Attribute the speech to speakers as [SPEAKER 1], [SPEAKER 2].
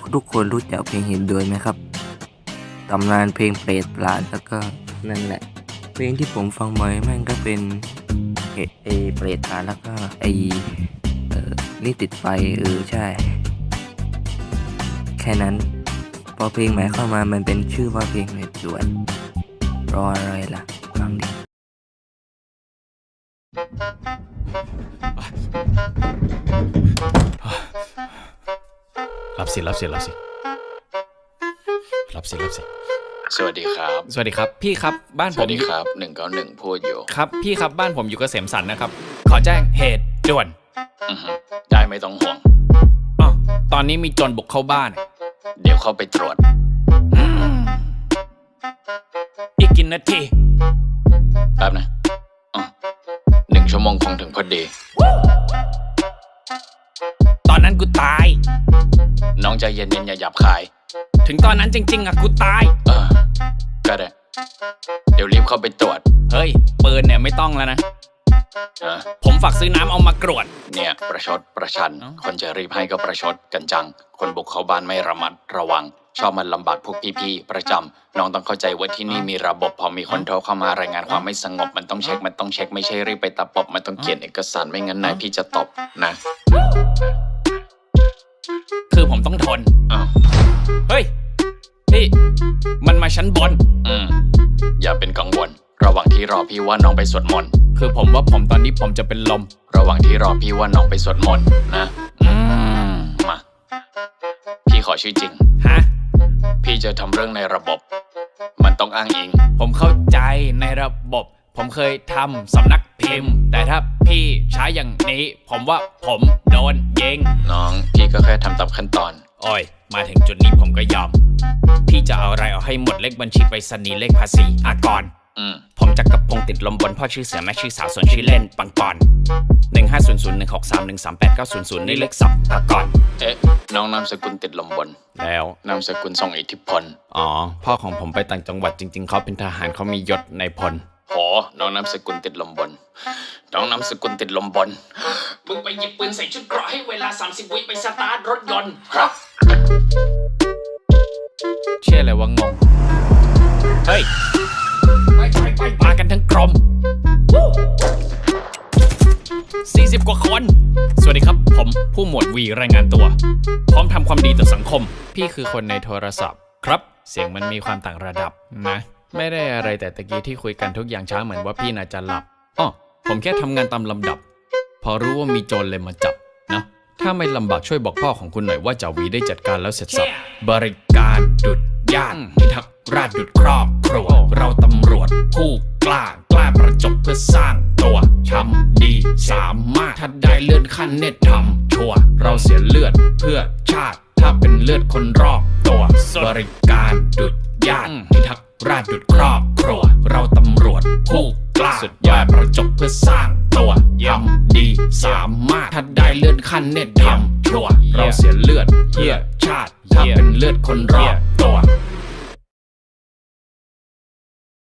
[SPEAKER 1] ทุกคนรู้จักเพลงเห็นด้วยไหมครับตำนานเพลงเปรตปราณแล้วก็นั่นแหละเพลงที่ผมฟังบ่อยแม่งก็เป็นเปรตปราณแล้วก็นี่ติดไฟใช่แค่นั้นพอเพลงใหม่เข้ามามันเป็นชื่อว่าเพลงเห็นด้วยรออะไรล่ะฟังดิ
[SPEAKER 2] รับสิ
[SPEAKER 3] สวัสดีครับพี่ครับบ้านผมสวัสดีครับ191พูดอยู่ครับพี่ครับบ้านผมอยู่เกษมสันนะครับขอแจ้งเหตุด่วนได้ไม่ต้องห่วงตอนนี้มีโจรบุกเข้าบ้านเดี๋ยวเข้าไปตรวจอีกกี่นาทีแป๊บนะ1 ชั่วโมงคงถึงพอดีตอนนั้นกูตายน้องใจเย็นๆอย่าหยาบคายถึงตอนนั้นจริงๆอะกูตายก็ได้เดี๋ยวรีบเข้าไปตรวจเฮ้ยปืนเนี่ยไม่ต้องแล้วนะผมฝากซื้อน้ำเอามากรวดเนี่ยประชดประชันคนจะรีบให้ก็ประชดกันจังคนบุกเข้าบ้านไม่ระมัดระวังชอบมันลำบากพวกพี่ๆประจำน้องต้องเข้าใจว่าที่นี่มีระบบพอมีคนโทรเข้ามารายงานความไม่สงบมันต้องเช็คไม่ใช่รีบไปตะปบมันต้องเขียนเอกสารไม่งั้นนายพี่จะตบนะคือผมต้องทนเฮ้ยพี่มันมาชั้นบนอย่าเป็นกังวลระหว่างที่รอพี่ว่าน้องไปสวดมนต์คือผมว่าตอนนี้ผมจะเป็นลมระหว่างที่รอพี่ว่าน้องไปสวดมนต์นะมาพี่ขอชื่อจริงฮะพี่จะทำเรื่องในระบบมันต้องอ้างอิงผมเข้าใจในระบบผมเคยทำสำนักพิมพ์แต่ถ้าพี่ใช้อย่างนี้ผมว่าผมโดนยิงน้องพี่ก็แค่ทำตามขั้นตอนโอ้ยมาถึงจุดนี้ผมก็ยอมพี่จะเอาอะไรเอาให้หมดเลขบัญชีไปรษณีย์เลขภาษีอากรผมจักรพงศ์ติดลมบนพ่อชื่อเสือแม่ชื่อสาวส่วนชื่อเล่นปังปอน1500163138900นี่เลขสับอากรน้องนามสกุลติดลมบนแล้วนามสกุลทรงอิทธิพลอ๋อพ่อของผมไปต่างจังหวัดจริงๆเขาเป็นทหารเขามียศนายพลน้องนามสกุลติดลมบนน้องนามสกุลติดลมบนมึงไปหยิบปืนใส่ชุดเกราะให้เวลา30 วิไปสตาร์ทรถยนต์ครับเชื่อเลยว่างงเฮ้ยมากันทั้งกรม40 กว่าคนสวัสดีครับผมผู้หมวดวีรายงานตัวพร้อมทำความดีต่อสังคมพี่คือคนในโทรศัพท์ครับเสียงมันมีความต่างระดับนะไม่ได้อะไรแต่ตะกี้ที่คุยกันทุกอย่างช้าเหมือนว่าพี่น่าจะหลับผมแค่ทำงานตามลำดับพอรู้ว่ามีโจรเลยมาจับนะถ้าไม่ลำบากช่วยบอกพ่อของคุณหน่อยว่าจ่าวีได้จัดการแล้วเสร็จสับบริการดุจญาติพิทักษ์ราชดุจครอบครัวเราตำรวจผู้กล้าประจบเพื่อสร้างตัวทำดีสามารถถ้าได้เลื่อนขั้นเน็ตทำชัวเราเสียเลือดเพื่อชาติถ้าเป็นเลือดคนรอบตัวบริการดุจญาติพิทักษ์ราชดุจครอบครัวเราตำรวจผู้กล้าสุดยอดประจบเพื่อสร้างตัวทำดีสามารถถ้าได้เลื่อนขั้นเน็ตทำชัวเราเสียเลือดเพื่อชาติถ้าเป็นเลือดคนรอบตัว